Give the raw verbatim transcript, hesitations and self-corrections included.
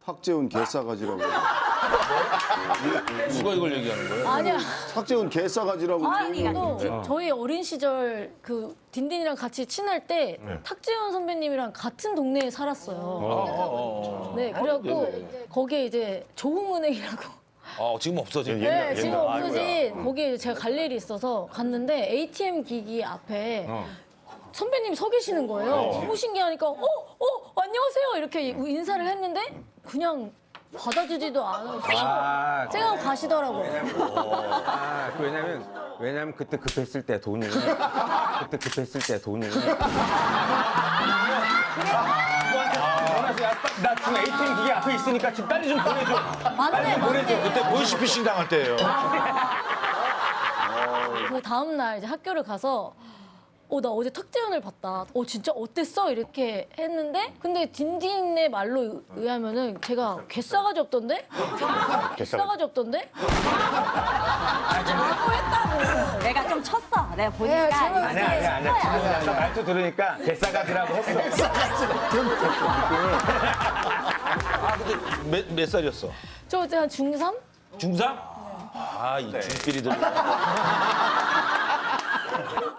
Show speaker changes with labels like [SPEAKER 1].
[SPEAKER 1] 탁재훈 개싸가지라고.
[SPEAKER 2] 누가 이걸 얘기하는 거예요?
[SPEAKER 3] 아니야.
[SPEAKER 1] 탁재훈 개싸가지라고.
[SPEAKER 3] 아니, 또 저희 어린 시절 그 딘딘이랑 같이 친할 때 탁재훈 선배님이랑 같은 동네에 살았어요. 네, 그래갖고 거기에 이제 조흥은행이라고.
[SPEAKER 2] 아, 지금 없어진.
[SPEAKER 3] 네, 지금 없어진 거기에 제가 갈 일이 있어서 갔는데 에이티엠 기기 앞에 선배님이 서 계시는 거예요. 너무 신기하니까 어, 어, 안녕하세요 이렇게 인사를 했는데 그냥 받아주지도 않아서
[SPEAKER 4] 아,
[SPEAKER 3] 쌩하고 가시더라고요.
[SPEAKER 4] 아, 그 왜냐면 왜냐면 그때 급했을 때 돈이 그때 급했을 때 돈이 나 지금 에이티엠 기계 앞에 있으니까 지금 빨리 좀 보내줘.
[SPEAKER 3] 맞네, 맞네.
[SPEAKER 2] 그때 보이스피싱 당할 때예요.
[SPEAKER 3] 그 다음 날 이제 학교를 가서 어, 나 어제 탁재훈을 봤다. 어, 진짜 어땠어? 이렇게 했는데 근데 딘딘의 말로 의- 의하면은 제가 개싸가지 없던데? 개싸가지 없던데? 라고 했다고.
[SPEAKER 5] 내가 좀 쳤어. 내가
[SPEAKER 3] 네,
[SPEAKER 5] 보니까.
[SPEAKER 3] 제가
[SPEAKER 5] 이게
[SPEAKER 4] 아니야 아니야 아니야. 지금 아까 말투 들으니까 개싸가지라고 했어.
[SPEAKER 2] 아, 근데 몇, 몇 살이었어?
[SPEAKER 3] 저 그때 한 중삼?
[SPEAKER 2] 중삼? 아, 이 중필이들.